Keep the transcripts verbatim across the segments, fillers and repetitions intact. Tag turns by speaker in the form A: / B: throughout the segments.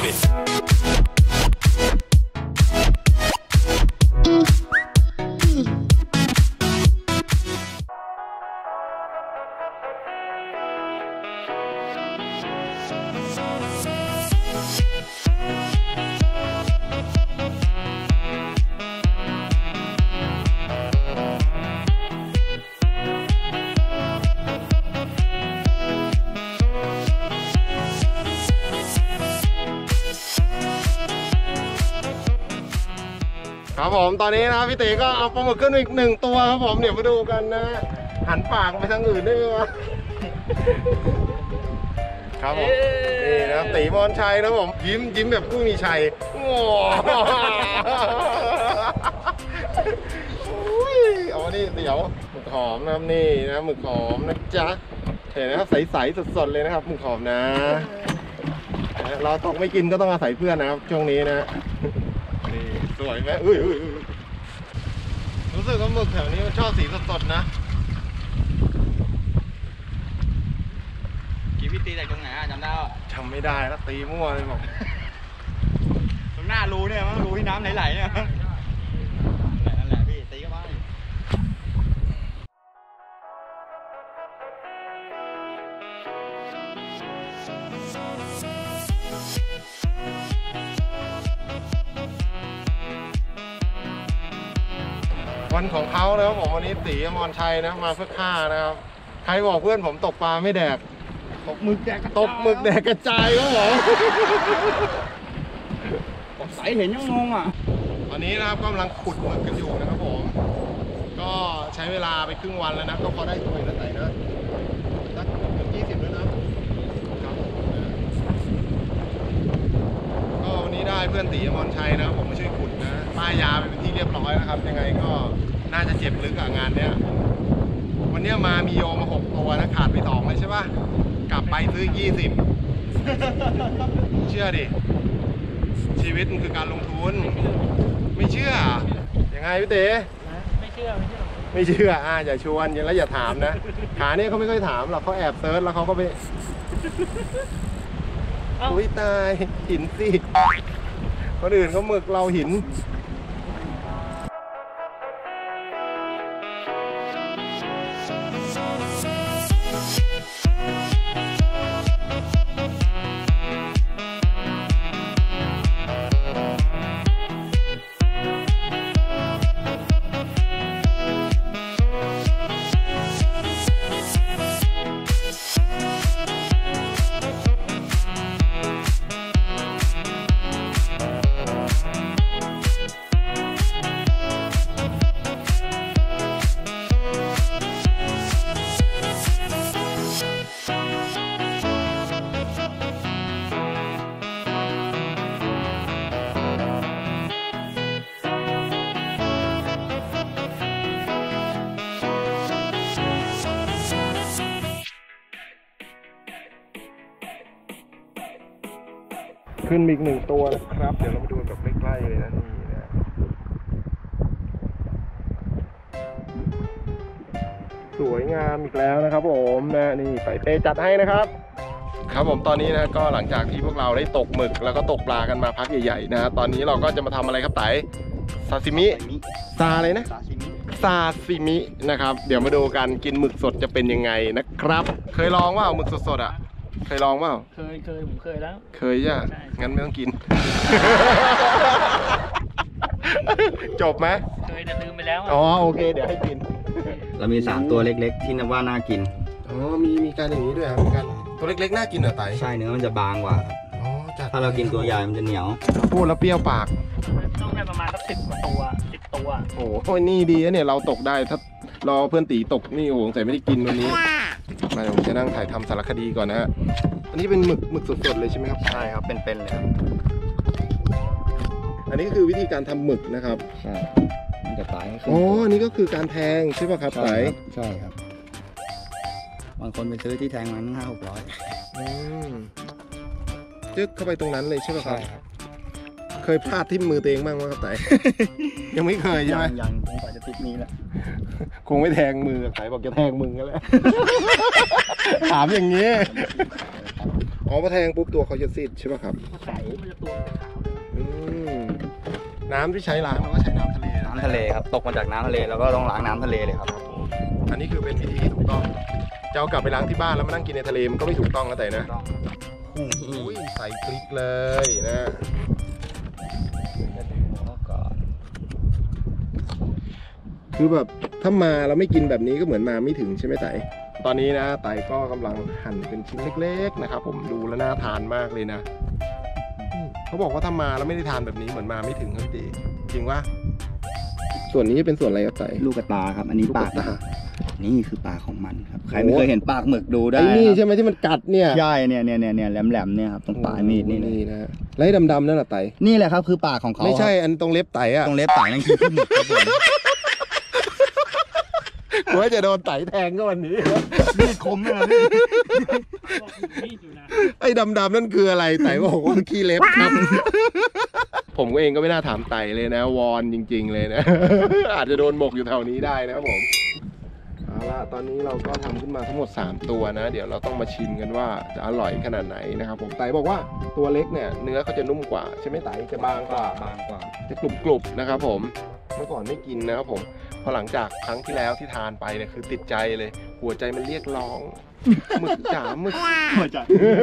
A: itครับผมตอนนี้นะพี่ตีก็เอาปลาหมึกขึ้นอีกหนึ่งตัวครับผมเดี๋ยวมาดูกันนะหันปากไปทางอื่นได้ไหมวะครับผมนี่นะตีมอนชัยนะผมยิ้มยิ้มแบบผู้มีชัยโอ้ยเอานี่เดี๋ยวหมึกหอมนะครับนี่นะหมึกหอมนะจ๊ะเห็นนะครับใสๆสดๆเลยนะครับหมึกหอมนะเราตกไม่กินก็ต้องอาศัยเพื่อนนะครับช่วงนี้นะนี่สวยไหมอุ้ยอุ้ยรู้สึกว่าหมึกแถวนี้มันชอบสีสดๆนะ
B: กี่พี่ตีจากตรงไหนจำได้ป่ะ
A: จำไม่ได้แล้วตีมั่วเลยบอก
B: ตรงหน้ารูเนี่ยมั้งรูที่น้ำไหลๆเนี่ยนั่นแหละพี่ตีก็บ้า
A: วันของเขานะครับผมวันนี้ตีอมรชัยนะมาเพื่อฆ่านะครับใครบอกเพื่อนผมตกปลาไม่แดก
B: ตกหมึกแดก
A: ตกหมึกแดกกระจายครับผม
B: ตกใสเห็นยังงงอ่ะ
A: ตอนนี้นะครับกำลังขุดหมึกกันอยู่นะครับผมก็ใช้เวลาไปครึ่งวันแล้วนะก็พอได้ตัวแล้วไหนนะสักถึงยี่สิบแล้วนะครับก็วันนี้ได้เพื่อนตีอมรชัยนะผมมาช่วยขุดนะป้ายยาเป็นที่เรียบร้อยนะครับยังไงก็น่าจะเจ็บลึกกับงานเนี้ยวันนี้มามีโยมาหกตัวนะขาดไปสองเลยใช่ป่ะกลับไปซื้อยี่สิบเชื่อดิชีวิตมันคือการลงทุนไม่เชื่อยังไงพี่เต๋
B: ไม่เชื่อไม่เชื่อ
A: ไม่เชื่ออ่าอย่าชวนยังแล้วอย่าถามนะขาเนี่ยเขาไม่ค่อยถามหรอกเขาแอบเซิร์ชแล้วเขาก็ไปอุ้ยตายหินสิคนอื่นเขาหมึกเราหินขึ้นอีกหนึ่งตัวนะครับเดี๋ยวเรามาดูแบบใกล้ๆเลยนะนี่นะสวยงามอีกแล้วนะครับผมนะนี่ใส่เปจัดให้นะครับครับผมตอนนี้นะก็หลังจากที่พวกเราได้ตกหมึกแล้วก็ตกปลากันมาพักใหญ่ๆนะตอนนี้เราก็จะมาทำอะไรครับไต่ซาซิมิซาอะไรนะซาซิมินะครับเดี๋ยวมาดูกันกินหมึกสดจะเป็นยังไงนะครับเคยลองว่าหมึกสดๆอ่ะเคยลองเปล่า
B: เคยเคยผมเคยแล้ว
A: เคยจ้ะงั้นไม่ต้องกินจบไหม
B: เคยแต่ลืมไปแล้ว
A: อ๋อโอเคเดี๋ยวให้กิน
C: เรามีสามตัวเล็กๆที่นับว่าน่ากิน
A: อ๋อมีมีการอย่างนี้ด้วยครับมีการตัวเล็กๆน่ากินเหรอไต่
C: ใช่เนื้อมันจะบางกว่าครับอ๋อถ้าเรากินตัวใหญ่มันจะเหนียว
A: พูดแล้วเปรี้ยวปาก
B: ต้องได้ประมาณสักสิบตัวสิบตัว
A: โอ้โหนี่ดีนะเนี่ยเราตกได้ถ้ารอเพื่อนตีตกนี่โอ้โหใส่ไม่ได้กินวันนี้มาผมจะนั่งถ่ายทำสารคดีก่อนนะฮะอันนี้เป็นหมึกหมึกสดๆเลยใช่ไหมครับ
C: ใช่ครับเป็นๆเลยครับ
A: อันนี้ก็คือวิธีการทำหมึกนะครับ
C: ใช่จะตาย
A: อ๋ออันนี้ก็คือการแทงใช่ป่ะครับไต่
C: ใช่ครับบางคนไปซื้อที่แทงมันห้าหกร้อย
A: อืมจึ๊กเข้าไปตรงนั้นเลยใช่ป่ะครับเคยพลาดที่มือตัวเองบ้างไหมครับไต่ ยังไม่เคยใช่ไหม
C: ยังคงกว่าจะติดนี้แหละ
A: คงไม่แทงมือไต่บอกจะแทงมึงกันแล้ว ถามอย่างนี้อ๋อพอแทงปุ๊บตัวเขาจะซีดใช่ป่ะครับ
D: ใสมันจะตัวมันจะขาว
A: อืมน้ำที่ใช้ล้างเราก็ใช้น้ำทะเลนะ
C: น้ำทะเลครับตกมาจากน้ำทะเลแล้วก็ต้องล้างน้ำทะเลเลยครับ
A: อันนี้คือเป็นวิธีที่ถูกต้องจะเอากลับไปล้างที่บ้านแล้วมานั่งกินในทะเลมันก็ไม่ถูกต้องนะแต่นะโอ้โหใส่พริกเลยนะคือแบบถ้ามาเราไม่กินแบบนี้ก็เหมือนมาไม่ถึงใช่ไหมไต่ตอนนี้นะไต่ก็กำลังหั่นเป็นชิ้นเล็กๆนะครับผมดูแล้วน่าทานมากเลยนะเขาบอกว่าถ้ามาแล้วไม่ได้ทานแบบนี้เหมือนมาไม่ถึงครับพี่จริงวะส่วนนี้เป็นส่วนอะไรครับไต่
C: ลูกกระตาครับอันนี้
A: ลูก
C: ปาก
A: ตา
C: นี่คือปากของมันครับใครไม่เคยเห็นปากหมึกดูได้
A: ไอ้นี่
C: ครับ
A: ใช่ไหมที่มันกัดเนี่ย
C: ใช่เนี่ยเนี่ยเนี่ยเนี่ยแหลมๆเนี่ยครับตรงปลายมีดนี่เลย
A: นี่นะแล้วไอ้ดำๆนั่นแหละไต่
C: นี่แหละครับคือปากของเขา
A: ไม่ใช่
C: ครับ
A: อันตรงเล็บไต่อะ
C: ตรงเล็บปากนั่นคือขี้หมึกครับผม
A: กูว่าจะโดนไต่แทงก็วันนี้
C: มีดคมเลย
D: มีดอยู่นะ
A: ไอ้ดำๆนั่นคืออะไรไต่บอกว่าขี้เล็บครับ ผมเองก็ไม่น่าถามไต่เลยนะวอนจริงๆเลยนะ อาจจะโดนหมกอยู่แถวนี้ได้นะครับผมเอาละตอนนี้เราก็ทำขึ้นมาทั้งหมดสามตัวนะ เดี๋ยวเราต้องมาชิมกันว่าจะอร่อยขนาดไหนนะครับผมไต่บอกว่าตัวเล็กเนี่ยเนื้อเขาจะนุ่มกว่าใช่ไหมไต่จะบางกว่า
C: บางกว่า
A: จะกรุบๆนะครับผมเมื่อก่อนไม่กินนะครับผมพอหลังจากครั้งที่แล้วที่ทานไปเนี่ยคือติดใจเลย หัวใจมันเรียกร้องหมึกจ๋าหมึก
C: หัวใจ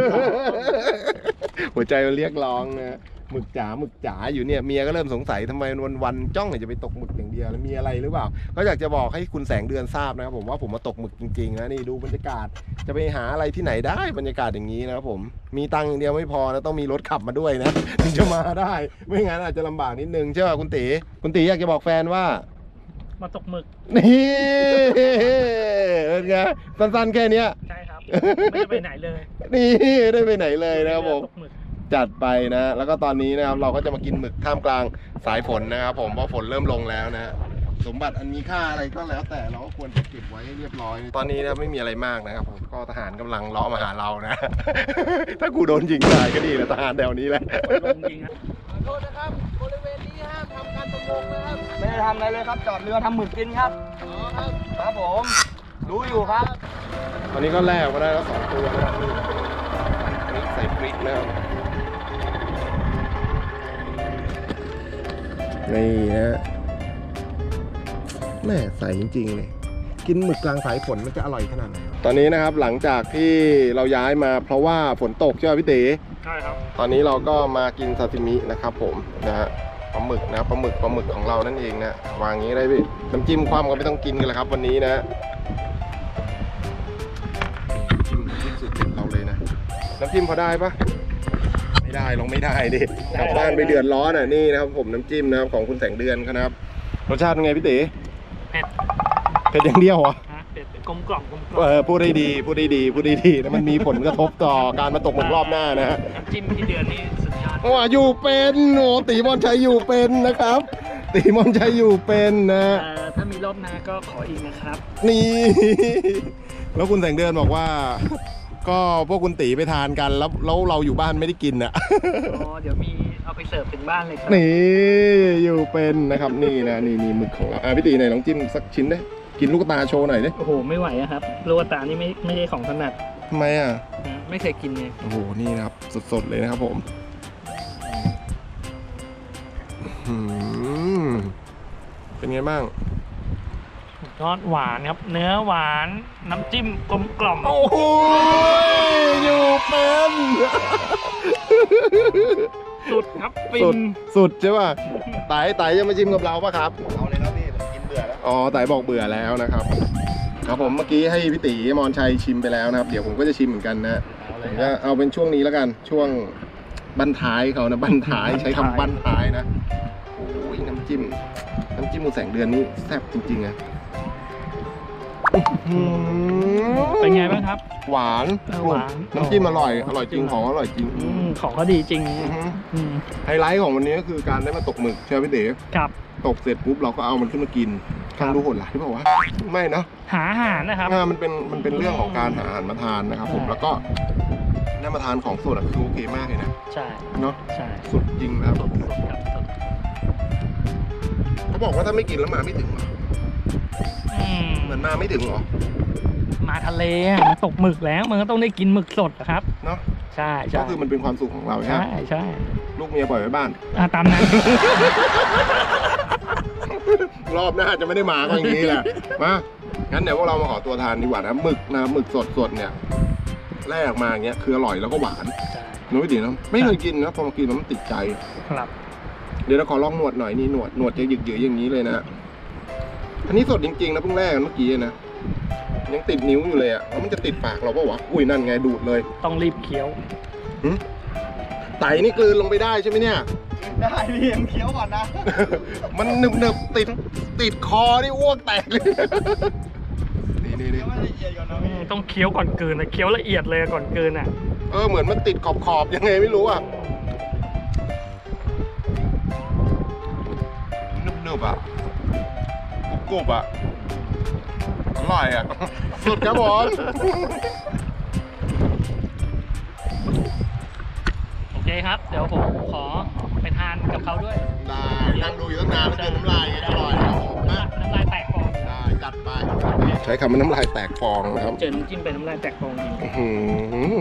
A: หัวใจมันเรียกร้องนะหมึกจ๋าหมึกจ๋าอยู่เนี่ยเมียก็เริ่มสงสัยทำไมวันๆจ้องจะไปตกหมึกอย่างเดียวแล้วมีอะไรหรือเปล่าก็อยากจะบอกให้คุณแสงเดือนทราบนะครับผมว่าผมมาตกหมึกจริงๆนะนี่ดูบรรยากาศจะไปหาอะไรที่ไหนได้บรรยากาศอย่างนี้นะครับผมมีตังค์อย่างเดียวไม่พอนะต้องมีรถขับมาด้วยนะถึงจะมาได้ไม่งั้นอาจจะลำบากนิดนึงใช่ป่ะคุณตีคุณตีอยากจะบอกแฟนว่า
D: มาตกหมึก
A: นี่เป็นไงสั้นๆแค่เนี้ย
D: ใช่ครับไม่ได้ไปไหนเลย
A: นี่ไม่ได้ไปไหนเลยนะครับผม
D: ตกหมึก
A: จัดไปนะ แล้วก็ตอนนี้นะครับเราก็จะมากินหมึกท่ามกลางสายฝนนะครับผมเพราะฝนเริ่มลงแล้วนะ สมบัติอันมีค่าอะไรก็แล้วแต่เราก็ควรจะเก็บไว้ให้เรียบร้อย ตอนนี้นะไม่มีอะไรมากนะครับผมก็ทหารกำลังเลาะมาหาเรานะ ถ้ากูโดนยิงตายก็ดีนะทหารแถวนี้แหละ
D: ลงจริงครับ
E: ขอโทษนะครับบริเวณนี้ห้ามทำการประมงนะครับ
C: ไม่ได้ทำอะไรเลยครับจอดเรือทำหมึกกินครับ
E: อ๋อครับ
C: ครับผมรู้อยู่ครับ
A: ตอนนี้ก็แลกมาได้แล้วสองตัวนะครับนี่ใส่พริกนะครับนี่นะแม่ใส่จริงๆเลยกินหมึกกลางสายฝนมันจะอร่อยขนาดไหนตอนนี้นะครับหลังจากที่เราย้ายมาเพราะว่าฝนตกใช่ไหมพี่ตี
D: ใช่ครับ
A: ตอนนี้เราก็มากินซาซิมินะครับผมนะฮะปลาหมึกนะปลาหมึกปลาหมึกของเรานั่นเองนะวางอย่างนี้ได้พี่น้ำจิ้มความก็ไม่ต้องกินกันแล้วครับวันนี้นะจิ้มจิ้มสุดเด็ดเราเลยนะน้ำจิ้มพอได้ปะไม่ได้ลงไม่ได้ดิกลับบ้านไปเดือดร้อนอ่ะนี่นะครับผมน้ำจิ้มนะครับของคุณแสงเดือนครับรสชาติเป็นไงพี่ตี
D: เผ็ด
A: เผ็ดอย่างเดียวเหรอ
D: นะเผ็ดกลมกล่อมกลมกล่อ
A: เอ
D: ม
A: อพูดได้ดีพูดได้ดีพูดได้ดีแล้วมันมีผลกระทบต่อการมาตกหมึกรอบหน้านะฮะ
D: น้ำจิ้มที่เดือนนี่สุดยอด
A: ว่าอยู่เป็นโอ้ตีมอนชัยอยู่เป็นนะครับ ตีมอนชัยอยู่เป็นนะ
D: เอ่อถ้ามีรอบหน้าก็ขออีกนะครับ
A: นี่ แล้วคุณแสงเดือนบอกว่า ก็พวกคุณตีไปทานกันแล้วแล้วเราอยู่บ้านไม่ได้กินอ่ะ
D: อ๋อเดี๋ยวมีเอาไปเสิร์ฟถึงบ้านเลยครับ
A: นี่อยู่เป็นนะครับนี่นะนี่นี่หมึกของเราอ่ะพี่ตีไหนลองจิ้มสักชิ้นได้กินลูกตาโชว์หน่อยดิ
D: โอ้โหไม่ไหวอะครับลูกตานี่ไม่ไม่ใช่ของถนัด
A: ทำไมอ่ะ
D: นะไม่เคยกินไง
A: โอ้โหนี่นะครับสดๆเลยนะครับผมอืมเป็นไงบ้าง
D: ยอดหวานครับ เนื้อหวานน้ำจิ้มกลมกล่อม
A: โอ้โหอยู่เป็น
D: สุดครับฟิ
A: สุด
D: น
A: สุดใช่ป่ะไต่ไต่จะมาชิมกับเราป่ะครับ
C: เอาเลยครับพี่ผมกินเบื่อแล้ว
A: อ๋อไต่บอกเบื่อแล้วนะครับครับผมเมื่อกี้ให้พี่ตีมอนชัยชิมไปแล้วนะครับเดี๋ยวผมก็จะชิมเหมือนกันนะผมจะเอาเป็นช่วงนี้แล้วกันช่วงบั้นท้ายเขานะบั้นท้ายใช้คำบั้นท้ายนะโอ้ยน้ำจิ้มน้ำจิ้มมูแสงเดือนนี้แซ่บจริงๆอะ
D: เป็นไงบ้างครับ
A: หวาน
D: เออหวาน
A: น้ำจิ้มอร่อยอร่อยจริงของอร่อยจริง
D: อืมของเขาดีจริง
A: อือฮึ
D: อืม
A: ไฮไลท์ของวันนี้ก็คือการได้มาตกหมึกใช่ไหมพี่เด๋
D: กับ
A: ตกเสร็จปุ๊บเราก็เอามันขึ้นมากินทางดูโหดร้ายหรือเปล่าวะไม่เนาะ
D: หาอาหารนะครับ
A: อ่ามันเป็นมันเป็นเรื่องของการหาอาหารมาทานนะครับผม
D: ใช่
A: แล้วก็ได้มาทานของสดอะคือโอเคมากเลยนะ
D: ใช่
A: เนาะ
D: ใช่
A: สุดจริงนะครับ
D: สดครับสด
A: เขาบอกว่าถ้าไม่กินแล้วมาไม่ถึงเหรอ
D: อืม
A: เหมือนมาไม่ถึงเหรอ
D: มาทะเลอะมาตกหมึกแล้วมันก็ต้องได้กินหมึกสดอะครับ
A: เนาะ
D: ใช่ใช่
A: ก็คือมันเป็นความสุขของเราใช่ไหม
D: ใช่ใช่
A: ลูกเมียปล่อยไว้บ้าน
D: อ่ะตามนั้น
A: รอบหน้าจะไม่ได้มาก็อย่างนี้แหละ มา งั้นเดี๋ยวพวกเรามาขอตัวทานดีกว่านะหมึกนะหมึกสดสดๆเนี่ยแล่ออกมาอย่างเงี้ยคืออร่อยแล้วก็หวาน
D: ใช่
A: น้อยดีนะไม่เคยกินนะพอมากินแล้วมันติดใจ
D: ครับ
A: เดี๋ยวเราขอลองหนวดหน่อยนี่หนวดหนวดจะหยึกๆอย่างนี้เลยนะอันนี้สดจริงๆนะเพิ่งแล่กันเมื่อกี้นะยังติดนิ้วอยู่เลยอ่ะแล้วมันจะติดปากเราปะวะอุ้ยนั่นไงดูดเลย
D: ต้องรีบเคี้ยว
A: หึไตนี่กลืนลงไปได้ใช่ไหมเนี่ย
B: ได้พี่ยังเคี้ยวก่อนนะ
A: มันหนึบหนึบๆติดติดคอนี่อ้วกแตกเลย นี่นี่นี่
B: เคี้ยวไม่ละเอียดก่อนนะพี่
D: ต้องเคี้ยวก่อนกลืนนะเคี้ยวละเอียดเลยก่อนกลืนอ่ะ
A: เออเหมือนมันติดขอบขอบๆยังไงไม่รู้อ่ะหนึบหนึบๆอ่ะกรุบกรุบๆอ่ะอร่อยอ่ะ สุดครับผม
D: โอเคครับ เดี๋ยวผมขอไปทานกับเขาด้วย
A: ได้นั่งดูอยู่ตั้งนานแล้วเจอน้ำลายไงอร่อยครับผมนะ
D: น้ำลายแตกฟอง
A: ได้จัดไปใช้คำว่าน้ำลายแตกฟองนะครับ
D: เจอน้ำจิ้มเป็นน้ำลายแตกฟองจริง
A: อื้อหือ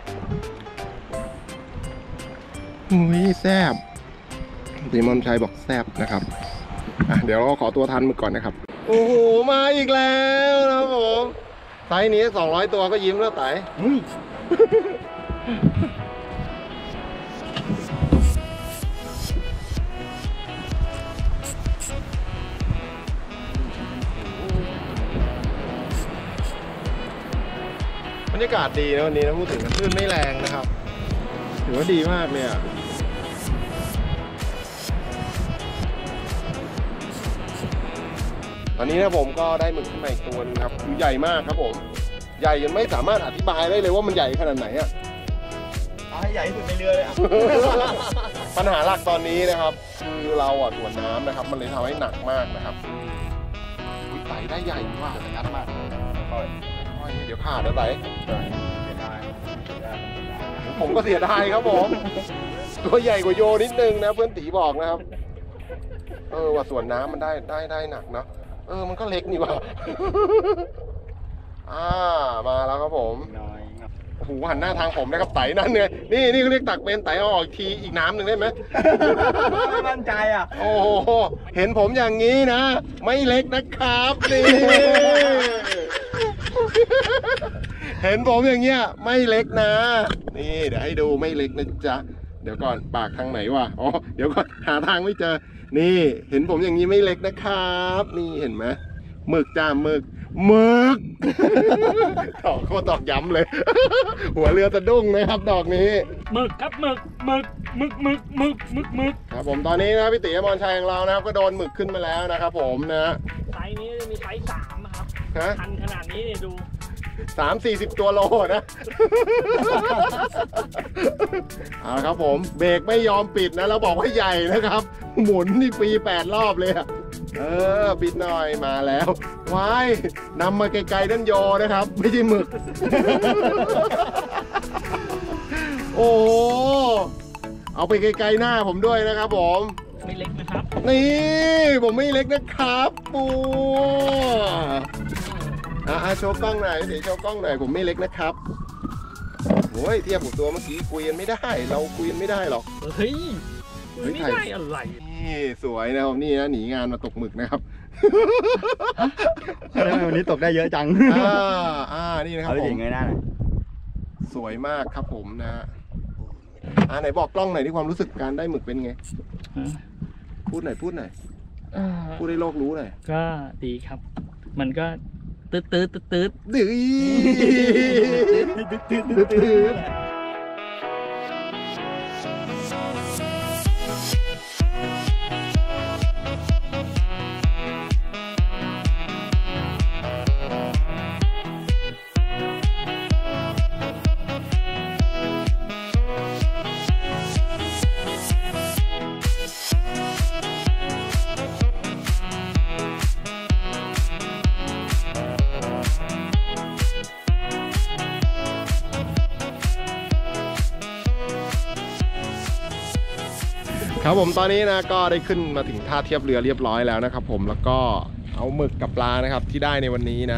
A: อุ้ยแซ่บตีมอนชัยบอกแซ่บนะครับอ่ะเดี๋ยวเราขอตัวทันมือก่อนนะครับ โอ้โหมาอีกแล้วนะครับผมไซส์นี้สองร้อยตัวก็ยิ้มแล้วไต่บรรยากาศดีนะวันนี้นะพูดถึงกันคลื่นไม่แรงนะครับถือว่าดีมากเลยอ่ะตอนนี้นะผมก็ได้หมึกขึ้นมาอีกตัวนึงครับคือใหญ่มากครับผมใหญ่จนไม่สามารถอธิบายได้เลยว่ามันใหญ่ขนาดไหนอ่ะ
B: เอาให้ใหญ่ที่สุดในเรือเลยอ่ะ
A: ปัญหาหลักตอนนี้นะครับคือเราอ่ะถ่วงน้ำนะครับ มันเลยทำให้หนักมากนะครับอุ๊ยไต่ได้ใหญ่มากยัดมากค่อยๆเดี๋ยวขาดนะไต่ผมก็เสียดายครับผม ตัวใหญ่กว่าโยนิดนึงนะเพื่อนตีบอกนะครับเออว่าส่วนน้ำมันได้ได้ได้หนักเนาะเออมันก็เล็กนี่ว่ะ อ่ามาแล้วครับผม
B: น้อย
A: โอ้โหหันหน้าทางผมนะครับไต่นั่นเนี่ยนี่นี่เขาเรียกตักเป็นไต่เอาออกอีกทีอีกน้ำหนึ่งได้ไหม
B: ไม่มั่นใจอ่ะ
A: โอ้โหเห็นผมอย่างนี้นะ ไม่เล็กนะครับนี่ เห็นผมอย่างเงี้ยไม่เล็กนะนี่เดี๋ยวให้ดูไม่เล็กนะจ๊ะเดี๋ยวก่อนปากทางไหนวะอ๋อเดี๋ยวก่อนหาทางไม่เจอนี่เห็นผมอย่างนี้ไม่เล็กนะครับ นี่เห็นไหมหมึกจ้าหมึกหมึก ตอกโคตรตอกย้ำเลย หัวเรือสะดุ้งนะครับดอกนี้
D: หมึกครับหมึกหมึกหมึกหมึกหมึกหมึกหมึก
A: ครับผมตอนนี้นะพี่ติ๋อมรชัยของเรานะครับก็โดนหมึกขึ้นมาแล้วนะครับผมนะ
D: ไซส์นี้มีไซส์สามนะครับ
A: ฮะ
D: พันขนาดนี้เนี่ยดู
A: สามสี่สิบตัวโลนะ เอาละครับผมเบรกไม่ยอมปิดนะแล้วบอกว่าใหญ่นะครับ หมุนนี่ฟรีแปดรอบเลยอะเออปิดหน่อยมาแล้วว้ายนำมาไกลๆนั่นโยนะครับ ไม่ใช่หมึก โอ้โหเอาไปไกลๆหน้าผมด้วยนะครับผม
D: ไม่เล็กนะครับ
A: นี่ผมไม่เล็กนะครับปูอ่ะโชว์กล้องหน่อยเดี๋ยวโชว์กล้องหน่อยผมไม่เล็กนะครับโอ้ยเทียบกับตัวเมื่อกี้คุยกันไม่ได้ เราคุยกันไม่ได้หรอก
D: เฮ้ย
A: เฮ้ย
D: ไม่ได้อะไร
A: นี่สวยนะครับนี่นะหนีงานมาตกหมึกนะครับ
B: วันนี้ตกได้เยอะจัง
A: อ่าอ่านี่นะครับ
B: เอา
A: ผ
B: ไป
A: ม
B: เงยหน้าหน่อย
A: สวยมากครับผมนะอ่าไหนบอกกล้องหน่อยที่ความรู้สึกการได้หมึกเป็นไงพูดหน่อยพูดหน่อย
D: เอ่อ
A: พูดให้โลกรู้หน่อย
D: ก็ดีครับ มันก็ตืดตืดตืดตืด
A: ดื้อ ครับผมตอนนี้นะก็ได้ขึ้นมาถึงท่าเทียบเรือเรียบร้อยแล้วนะครับผมแล้วก็เอาหมึกกับปลานะครับที่ได้ในวันนี้นะ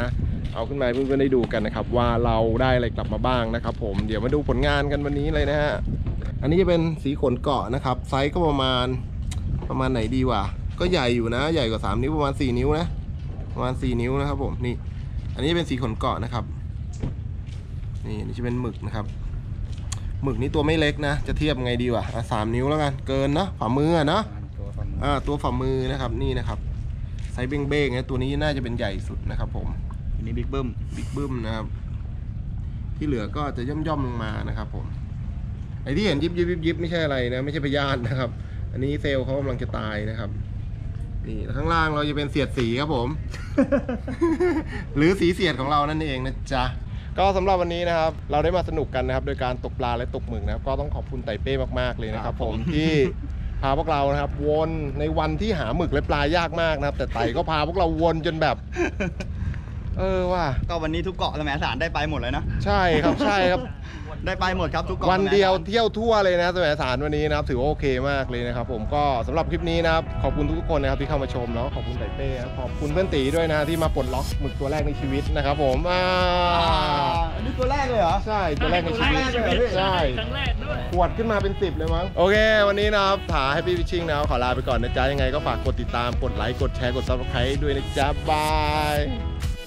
A: เอาขึ้นมาให้เพื่อนๆได้ดูกันนะครับว่าเราได้อะไรกลับมาบ้างนะครับผมเดี๋ยวมาดูผลงานกันวันนี้เลยนะฮะอันนี้จะเป็นสีขนเกาะนะครับไซส์ก็ประมาณประมาณไหนดีวะก็ใหญ่อยู่นะใหญ่กว่าสามนิ้วประมาณสี่นิ้วนะประมาณสี่นิ้วนะครับผมนี่อันนี้เป็นสีขนเกาะนะครับนี่นี่จะเป็นหมึกนะครับหมึกนี่ตัวไม่เล็กนะจะเทียบไงดีวะอ่ะสามนิ้วแล้วกันเกินเนาะฝ่ามือเนาะ
C: ตัวฝั่ง
A: อ่าตัวฝ่ามือนะครับนี่นะครับไซส์เบ้งๆนะตัวนี้น่าจะเป็นใหญ่สุดนะครับผม
C: อันนี้บิ๊กบึ้ม
A: บิ๊กบึ้มนะครับที่เหลือก็จะย่อมๆลงมานะครับผมไอ้ที่เห็นยิบยิบยิบยิบไม่ใช่อะไรนะไม่ใช่พยาธินะครับ อันนี้เซลล์เขากำลังจะตายนะครับนี่ข้างล่างเราจะเป็นเสียดสีครับผม หรือสีเสียดของเรานั่นเองนะจ๊ะก็สำหรับวันนี้นะครับเราได้มาสนุกกันนะครับโดยการตกปลาและตกหมึกนะครับก็ต้องขอบคุณไต่เป้มากๆเลยนะครับผมที่พาพวกเรานะครับวนในวันที่หาหมึกและปลายากมากนะครับแต่ไต่ก็พาพวกเราวนจนแบบ เออว่า
B: ก็วันนี้ทุกเกาะสมัยสารได้ไปหมดเลยนะ
A: ใช่ครับใช่ครับ
B: ได้ไปหมดครับทุกเกาะ
A: วันเดียว
B: สมัสาร
A: เที่ยวทั่วเลยนะสมัยสารวันนี้นะครับถือว่าโอเคมากเลยนะครับผมก็สำหรับคลิปนี้นะครับขอบคุณทุกคนนะครับที่เข้ามาชมแล้วขอบคุณไต่เป้ครับขอบคุณเพื่อนตีด้วยนะที่มาปลดล็อกหมึกตัวแรกในชีวิตนะครับผมอ่า
B: อ่าอันนี้ตัวแรกเลยเหรอ
A: ใช่ตัวแรกในชีวิต
B: ตัวแรกเลยเหรอพี่
A: ใช่
D: ครั้งแรกด้วย
A: ขวดขึ้นมาเป็นสิบเลยมั้งโอเค วันนี้นะครับถาให้พี่พิชชิ่งนะครับขอลาไปก่อนนะจ๊ะยังไงก็ฝากกดติดตามกดไลค์กดแชร์กดซับสไครต์ด้วยนะจ๊ะบาย